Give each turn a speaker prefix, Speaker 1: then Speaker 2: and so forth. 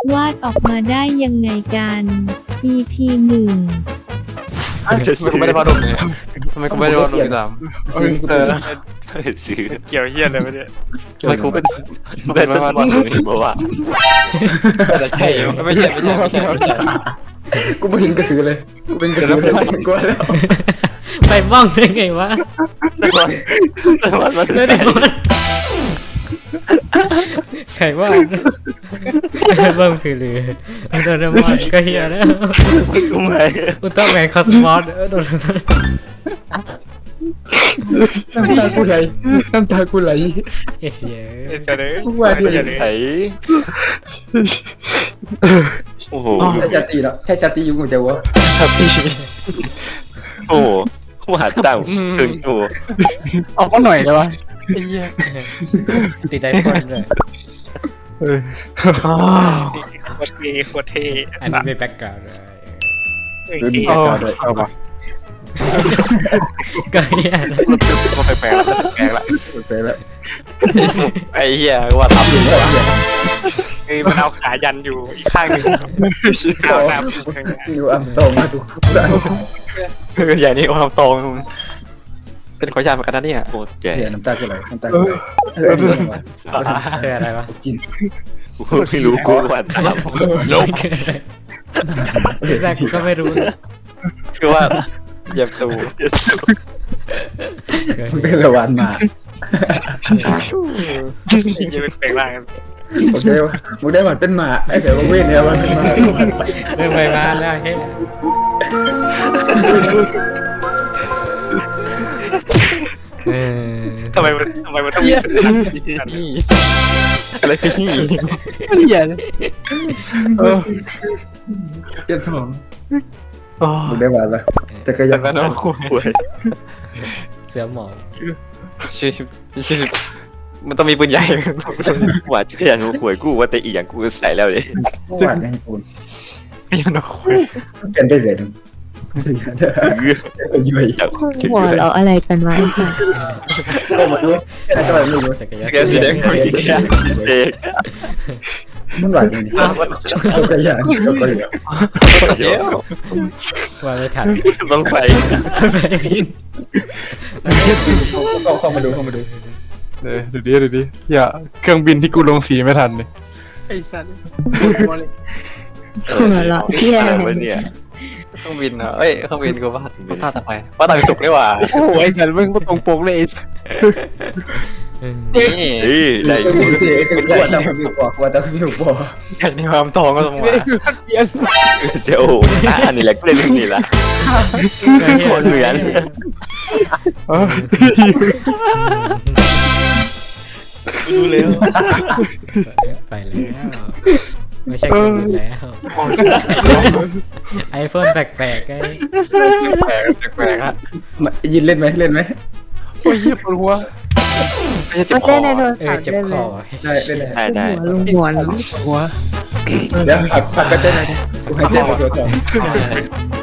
Speaker 1: วาดออกมาได้ยังไงกัน EP 1
Speaker 2: จะซื้อไม่ได้พาดมเลยทำไมกูไม่ได้พาดมอีกสาม
Speaker 3: ซื้อ
Speaker 4: เกี่ยวเฮี้ยอะไรวะเนี่ย
Speaker 2: ไม่กู
Speaker 3: เป็นต้นมอนตรงนี้บอกว่า
Speaker 2: ใช่ไม่ใช่
Speaker 5: กูไม่เห็นกระสือเลยกูเป็นกระสือเลยกูแล้ว
Speaker 6: ไปบ้องได้ไงวะ
Speaker 3: ต้นมอนมาซื้อ
Speaker 6: แล้วเดี๋ยวใครว่าบ้องคือเรือโดนมอนก็เฮียแล้ว
Speaker 3: กูไม่
Speaker 6: อุลตร้าแมนคอสมอสโดน
Speaker 5: น้ำตากูไหลน้ำตากูไหล
Speaker 6: เอเชีย
Speaker 4: เจะเลย
Speaker 5: ว่าดิ
Speaker 3: ไถโอ้โห
Speaker 5: ใช่ชาติแล้วใช่ชาติอยู่กูจะวะ
Speaker 3: โอ้โหกูหาตั้งถึงตัว
Speaker 2: ออกมาหน่อยเลยวะ
Speaker 6: ติดใจคนเลย
Speaker 4: โคตรเท่โคตรเท่
Speaker 6: อันนี้เป็นแบ็กกราวด์เลย
Speaker 5: ดูดี
Speaker 4: เท่
Speaker 5: เลย
Speaker 2: เอาปะ
Speaker 6: ก็เฮีย
Speaker 2: ก็แปลกแล้วแปลกละ
Speaker 5: ไปแล้ว
Speaker 2: ไอ้เหี้ยว่าทำอยู่แล้ว
Speaker 4: คือมันเอาขายันอยู่อีกข้างหนึ่งเอาหน้าพุ่งข้างหน้า
Speaker 5: อยู่อัมตองมาดู
Speaker 2: ใหญ่นี่โอ้ทำตรงเป็นขอชาเหมือนกันนะเนี่ย
Speaker 3: โคตรแก่
Speaker 5: เสียน้ำตากูไหลน้ำตากูไหล
Speaker 6: คืออะไรวะ
Speaker 5: กิน
Speaker 3: กูไม่รู้กูว่าตามลบ
Speaker 6: แรกกูก็ไม่รู้นะ
Speaker 2: คือว่าเหยียบตู
Speaker 5: เป็นระวันมา
Speaker 4: จะเป็นแปลงร่างกัน
Speaker 5: โอเคมึงได้หมันเป็นหมาไอ้เดี๋ยวมึงเว้นเนี่ยมันเป็นหมา
Speaker 6: เรื่องไปมาแล้วเฮ้ย
Speaker 4: ทำไมมันต้องมีสัญญาณ
Speaker 2: นี่อะไรคือนี่
Speaker 5: เหี้ยเจ็บท้องมึงได้หมันปะจะกระยั
Speaker 2: แต่
Speaker 5: น
Speaker 2: ก็น้องคุย
Speaker 3: ป่วย
Speaker 6: เสือหมอบ
Speaker 2: ชื่อมันต้องมีปืนใหญ่
Speaker 3: ว่าจะยังกูป่วยกูว่าแต่อีอย่างกูใส่แล้วเลย
Speaker 5: หวานให้กู
Speaker 2: ไม่น้องคุย
Speaker 5: เป็นได้เลยยุ่ย
Speaker 3: จับ
Speaker 7: หัวเราะอะไรกันวะไอ้สัส
Speaker 5: ก็มาดูแค่นั้นก็ไม่รู้
Speaker 6: จักรยาน
Speaker 2: แกสีแดงคุย
Speaker 3: เด็ก
Speaker 5: มันหวานจริงๆก็กระยันก็กระยัน
Speaker 3: เดี๋ยว
Speaker 6: ว่าไม่ทัน
Speaker 3: ต้องไป
Speaker 6: ไปพิน
Speaker 5: เข้ามาดู
Speaker 8: ดูดิอย่าเครื่องบินที่กูลงสีไม่ทันเลย
Speaker 7: หัวเราะเที่ย
Speaker 3: อะไรวะเนี่ย
Speaker 2: เครื่องบินเหรอเอ้ยเครื่องบินกูว่าท่าต่อไปว่าต่อไปสุกได้ว่า
Speaker 8: โอ้โหไอ้สันมึงก็ตรงปกเลย
Speaker 2: นี่
Speaker 3: เฮ้ยได้อยู่
Speaker 5: ว่าตาพี่บอกว่าตาพี่บอก
Speaker 2: ใหญ่ในความทองก็ต้องมา
Speaker 3: เจ้าอันนี้แหละกูเล่นเรื่องนี้ละคนเหมือน
Speaker 2: ดูเร็ว
Speaker 6: ไปแล้วไม่ใช่คนอื่นแล้วไอโฟนแปลกๆไง
Speaker 2: แปลกฮะ
Speaker 5: ยินเล่นไหม
Speaker 8: โอ้ยปวดหัว
Speaker 2: ไม่ใช่เจ็บ
Speaker 7: มัน
Speaker 2: คอ
Speaker 7: เล่นในโทร
Speaker 6: เอ
Speaker 7: ศั
Speaker 6: อ
Speaker 7: พท์
Speaker 6: เจ็บ
Speaker 7: ได้
Speaker 6: ค
Speaker 7: เล
Speaker 6: อย
Speaker 3: ได้
Speaker 7: ลุงหัวเนาะ
Speaker 8: หัว
Speaker 5: เดี๋ยวผักก็เต้นเลยกูให้เต้นมาตัวสอง